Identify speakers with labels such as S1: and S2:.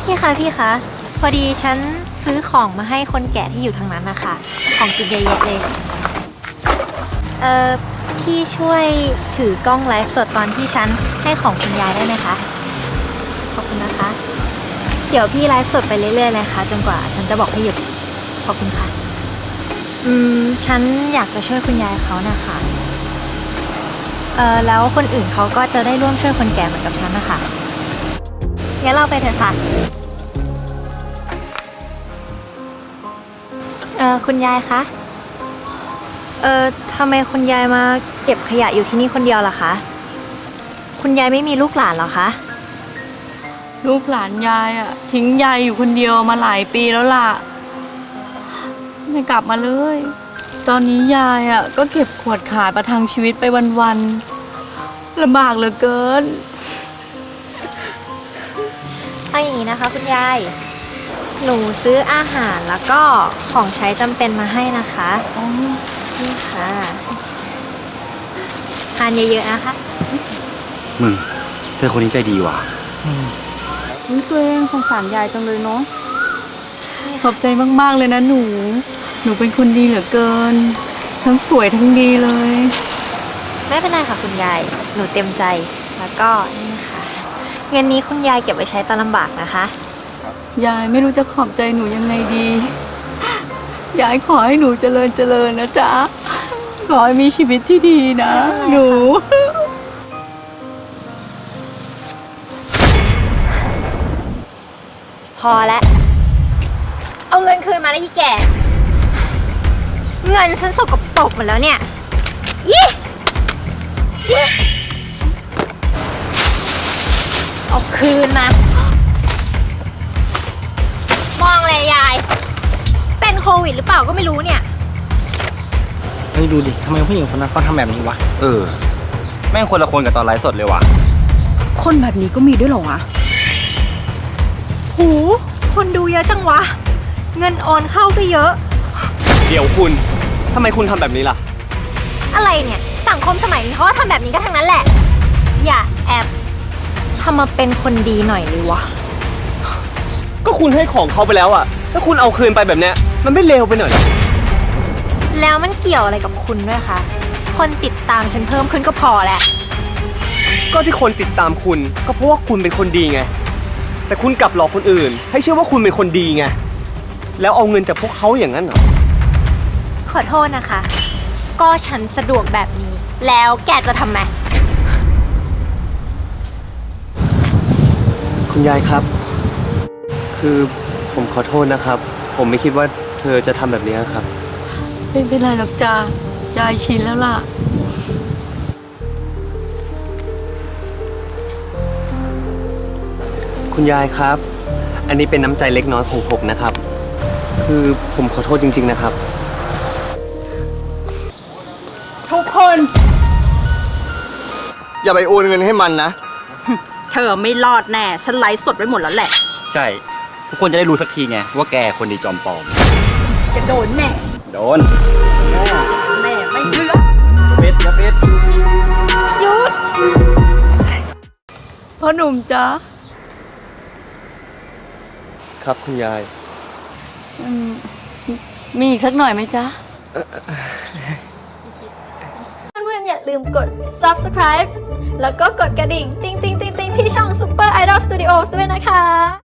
S1: พี่คะพี่คะพอดีฉันซื้อของมาให้คนแก่ที่อยู่ทางนั้นนะคะของกินเยอะๆเลยพี่ช่วยถือกล้องไลฟ์สดตอนที่ฉันให้ของคุณยายได้ไหมคะขอบคุณนะคะเดี๋ยวพี่ไลฟ์สดไปเรื่อยๆเลยค่ะจนกว่าฉันจะบอกให้หยุดขอบคุณค่ะฉันอยากจะช่วยคุณยายเขานะคะแล้วคนอื่นเขาก็จะได้ร่วมช่วยคนแก่เหมือนกับฉันนะคะงั้นเราไปเถอะค่ะคุณยายคะทำไมคุณยายมาเก็บขยะอยู่ที่นี่คนเดียวล่ะคะคุณยายไม่มีลูกหลานเหรอคะ
S2: ลูกหลานยายอะทิ้งยายอยู่คนเดียวมาหลายปีแล้วล่ะไม่กลับมาเลยตอนนี้ยายอะก็เก็บขวดขายประทังชีวิตไปวันๆลำบากเหลือเกิน
S1: เอาอย่างนี้นะคะคุณยายหนูซื้ออาหารแล้วก็ของใช้จำเป็นมาให้นะคะนี่ค่ะทานเยอะๆนะคะ
S3: มึงเธอคนนี้ใจดีว่ะ
S2: ตัวเองสงสารยายจังเลยเนาะขอบใจมากๆเลยนะหนูเป็นคนดีเหลือเกินทั้งสวยทั้งดีเลย
S1: ไม่เป็นไรค่ะคุณยายหนูเต็มใจแล้วก็นี่ค่ะเงินนี้คุณยายเก็บไว้ใช้ตอนลำบากนะคะ
S2: ยายไม่รู้จะขอบใจหนูยังไงดียายขอให้หนูเจริญนะจ๊ะขอให้มีชีวิตที่ดีนะหนู
S1: พอแล้วเอาเงินคืนมาแล้วยี่แก่เงินฉันสกปรกหมดแล้วเนี่ยยี่เอาคืนมามองเลยยายเป็นโควิดหรือเปล่าก็ไม่รู้เนี่ย
S3: เฮ้ยดูดิทำไมผู้หญิงคนนั้นเขาทำแบบนี้วะแม่งคนละคนกับตอนไลฟ์สดเลยว่ะ
S2: คนแบบนี้ก็มีด้วยเหรอวะ
S1: โหคนดูเยอะจังวะเงินโอนเข้าก็เยอะ
S3: เดี๋ยวคุณทำไมคุณทำแบบนี้ล่ะ
S1: อะไรเนี่ยสังคมสมัยนี้เขาทำแบบนี้ก็ทั้งนั้นแหละอย่าแอบทำมาเป็นคนดีหน่อยเลยวะ
S3: ก็คุณให้ของเขาไปแล้วอะถ้าคุณเอาคืนไปแบบเนี้ยมันไม่เลวไปหน่อย
S1: แล้วมันเกี่ยวอะไรกับคุณด้วยคะคนติดตามฉันเพิ่มขึ้นก็พอแหละ
S3: ก็ที่คนติดตามคุณก็เพราะว่าคุณเป็นคนดีไงแต่คุณกลับหลอกคนอื่นให้เชื่อว่าคุณเป็นคนดีไงแล้วเอาเงินจากพวกเขาอย่างนั้นเหรอ
S1: ขอโทษนะคะก็ฉันสะดวกแบบนี้แล้วแกจะทำไม
S3: คุณยายครับคือผมขอโทษนะครับผมไม่คิดว่าเธอจะทำแบบนี้ครับ
S2: ไม่เป็นไรหรอกจ้ายายชินแล้วล่ะ
S3: คุณยายครับอันนี้เป็นน้ำใจเล็กน้อยของผมนะครับคือผมขอโทษจริงๆนะครับ
S2: ทุกคน
S4: อย่าไปโอนเงินให้มันนะ
S2: เธอไม่รอดแน่ฉันไลฟ์สดไว้หมดแล้วแหละ
S3: ใช่ทุกคนจะได้รู้สักทีไงว่าแกคนดีจอมปลอม
S2: จะโดนแน่
S3: โดน
S2: แม่ไม่เลือก
S3: เป็ดจะเป็ด
S2: หยุดพ่อหนุ่มจ๊ะ
S3: ครับคุณยาย
S2: มีอีกสักหน่อยไหมจ๊ะ
S5: เพื่อนๆอย่าลืมกด subscribe แล้วก็กดกระดิ่งติ๊งๆๆๆที่ช่อง Super Idol Studios ด้วยนะคะ